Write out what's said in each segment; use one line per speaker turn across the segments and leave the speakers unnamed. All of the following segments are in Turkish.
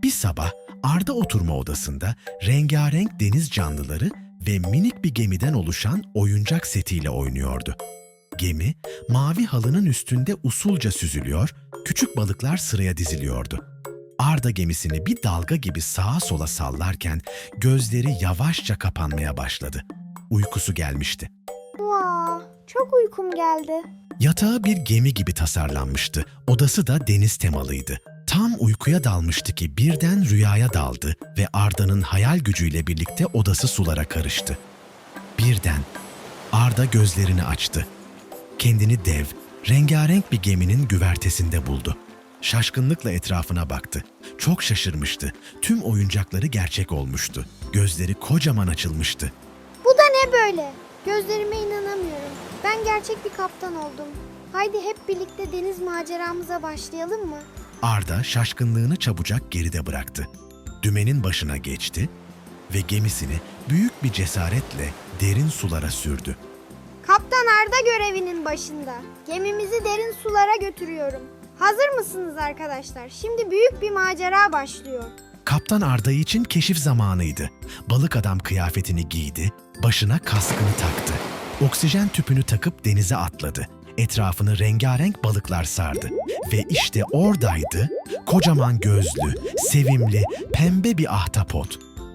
Bir sabah Arda oturma odasında rengarenk deniz canlıları ve minik bir gemiden oluşan oyuncak setiyle oynuyordu. Gemi, mavi halının üstünde usulca süzülüyor, küçük balıklar sıraya diziliyordu. Arda gemisini bir dalga gibi sağa sola sallarken gözleri yavaşça kapanmaya başladı. Uykusu gelmişti.
Vaa, çok uykum geldi.
Yatağı bir gemi gibi tasarlanmıştı. Odası da deniz temalıydı. Tam uykuya dalmıştı ki birden rüyaya daldı ve Arda'nın hayal gücüyle birlikte odası sulara karıştı. Birden Arda gözlerini açtı. Kendini dev, rengarenk bir geminin güvertesinde buldu. Şaşkınlıkla etrafına baktı. Çok şaşırmıştı. Tüm oyuncakları gerçek olmuştu. Gözleri kocaman açılmıştı.
Bu da ne böyle? Gözlerime inanamıyorum. Ben gerçek bir kaptan oldum. Haydi hep birlikte deniz maceramıza başlayalım mı?
Arda şaşkınlığını çabucak geride bıraktı. Dümenin başına geçti ve gemisini büyük bir cesaretle derin sulara sürdü.
Kaptan Arda görevinin başında. Gemimizi derin sulara götürüyorum. Hazır mısınız arkadaşlar? Şimdi büyük bir macera başlıyor.
Kaptan Arda için keşif zamanıydı. Balık adam kıyafetini giydi, başına kaskını taktı. Oksijen tüpünü takıp denize atladı. Etrafını rengarenk balıklar sardı. Ve işte oradaydı, kocaman gözlü, sevimli, pembe bir ahtapot.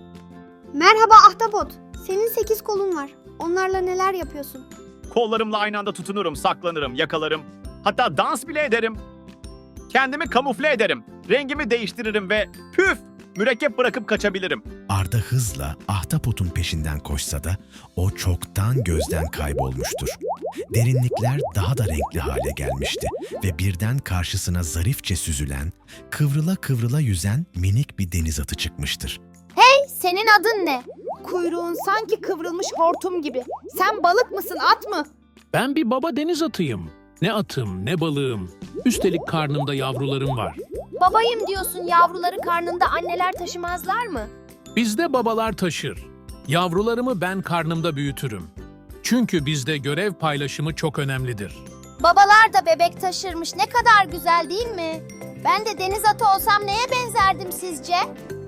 Merhaba Ahtapot. Senin 8 kolun var. Onlarla neler yapıyorsun?
Kollarımla aynı anda tutunurum, saklanırım, yakalarım. Hatta dans bile ederim. Kendimi kamufle ederim. Rengimi değiştiririm ve püf! Mürekkep bırakıp kaçabilirim.
Arda hızla ahtapotun peşinden koşsa da o çoktan gözden kaybolmuştur. Derinlikler daha da renkli hale gelmişti ve birden karşısına zarifçe süzülen, kıvrıla kıvrıla yüzen minik bir deniz atı çıkmıştır.
Senin adın ne? Kuyruğun sanki kıvrılmış hortum gibi. Sen balık mısın, at mı?
Ben bir baba deniz atıyım. Ne atım ne balığım. Üstelik karnımda yavrularım var.
Babayım diyorsun, yavruları karnında anneler taşımazlar mı?
Bizde babalar taşır. Yavrularımı ben karnımda büyütürüm. Çünkü bizde görev paylaşımı çok önemlidir.
Babalar da bebek taşırmış, ne kadar güzel değil mi? Ben de deniz atı olsam neye benzerdim sizce?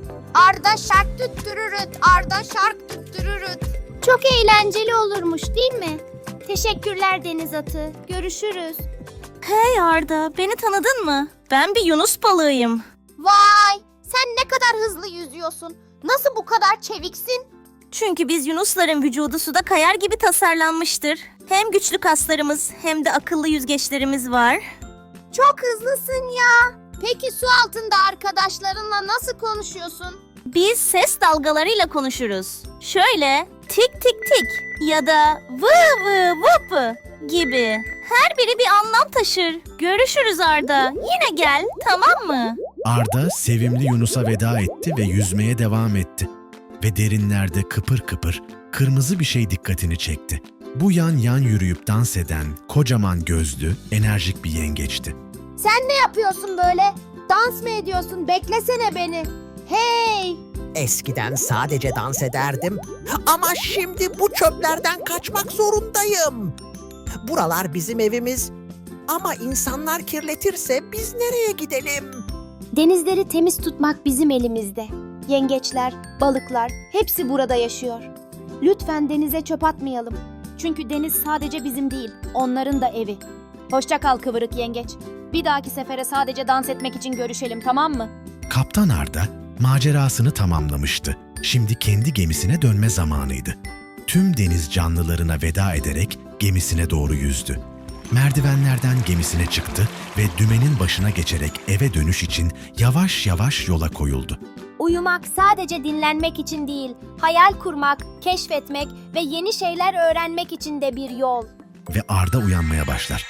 Arda şark tüttürürüt, Arda şark tüttürürüt. Çok eğlenceli olurmuş değil mi? Teşekkürler deniz atı, görüşürüz.
Hey Arda, beni tanıdın mı? Ben bir Yunus balığıyım.
Vay, sen ne kadar hızlı yüzüyorsun. Nasıl bu kadar çeviksin?
Çünkü biz Yunusların vücudu suda kayar gibi tasarlanmıştır. Hem güçlü kaslarımız hem de akıllı yüzgeçlerimiz var.
Çok hızlısın ya. Peki su altında arkadaşlarınla nasıl konuşuyorsun?
Biz ses dalgalarıyla konuşuruz. Şöyle tik tik tik ya da vı vı vıpı gibi. Her biri bir anlam taşır. Görüşürüz Arda. Yine gel, tamam mı?
Arda sevimli Yunus'a veda etti ve yüzmeye devam etti. Ve derinlerde kıpır kıpır kırmızı bir şey dikkatini çekti. Bu yan yan yürüyüp dans eden kocaman gözlü, enerjik bir yengeçti.
Sen ne yapıyorsun böyle? Dans mı ediyorsun? Beklesene beni. Hey!
Eskiden sadece dans ederdim ama şimdi bu çöplerden kaçmak zorundayım. Buralar bizim evimiz ama insanlar kirletirse biz nereye gidelim?
Denizleri temiz tutmak bizim elimizde. Yengeçler, balıklar hepsi burada yaşıyor. Lütfen denize çöp atmayalım. Çünkü deniz sadece bizim değil, onların da evi. Hoşça kal kıvırık yengeç. Bir dahaki sefere sadece dans etmek için görüşelim, tamam mı?
Kaptan Arda macerasını tamamlamıştı. Şimdi kendi gemisine dönme zamanıydı. Tüm deniz canlılarına veda ederek gemisine doğru yüzdü. Merdivenlerden gemisine çıktı ve dümenin başına geçerek eve dönüş için yavaş yavaş yola koyuldu.
Uyumak sadece dinlenmek için değil, hayal kurmak, keşfetmek ve yeni şeyler öğrenmek için de bir yol.
Ve Arda uyanmaya başlar.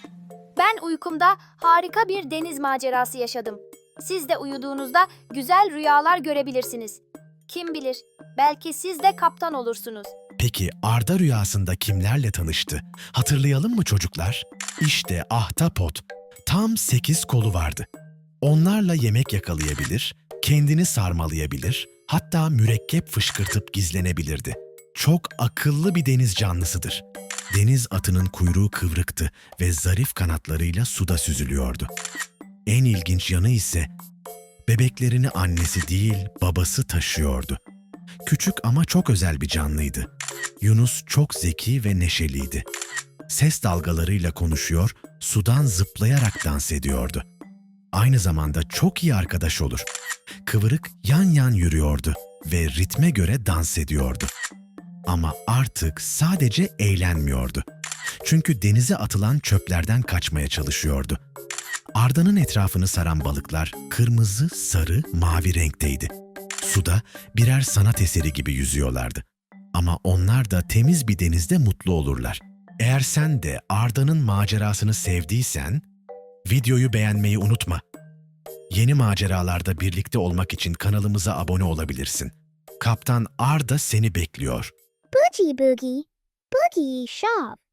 Ben uykumda harika bir deniz macerası yaşadım. Siz de uyuduğunuzda güzel rüyalar görebilirsiniz. Kim bilir, belki siz de kaptan olursunuz.
Peki Arda rüyasında kimlerle tanıştı? Hatırlayalım mı çocuklar? İşte ahtapot. Tam 8 kolu vardı. Onlarla yemek yakalayabilir, kendini sarmalayabilir, hatta mürekkep fışkırtıp gizlenebilirdi. Çok akıllı bir deniz canlısıdır. Deniz atının kuyruğu kıvrıktı ve zarif kanatlarıyla suda süzülüyordu. En ilginç yanı ise Bebeklerini annesi değil, babası taşıyordu. Küçük ama çok özel bir canlıydı. Yunus çok zeki ve neşeliydi. Ses dalgalarıyla konuşuyor, sudan zıplayarak dans ediyordu. Aynı zamanda çok iyi arkadaş olur. Kıvırık yan yan yürüyordu ve ritme göre dans ediyordu. Ama artık sadece eğlenmiyordu. Çünkü denize atılan çöplerden kaçmaya çalışıyordu. Arda'nın etrafını saran balıklar kırmızı, sarı, mavi renkteydi. Suda birer sanat eseri gibi yüzüyorlardı. Ama onlar da temiz bir denizde mutlu olurlar. Eğer sen de Arda'nın macerasını sevdiysen, videoyu beğenmeyi unutma. Yeni maceralarda birlikte olmak için kanalımıza abone olabilirsin. Kaptan Arda seni bekliyor.
Boogie Boogie. Boogie Shop.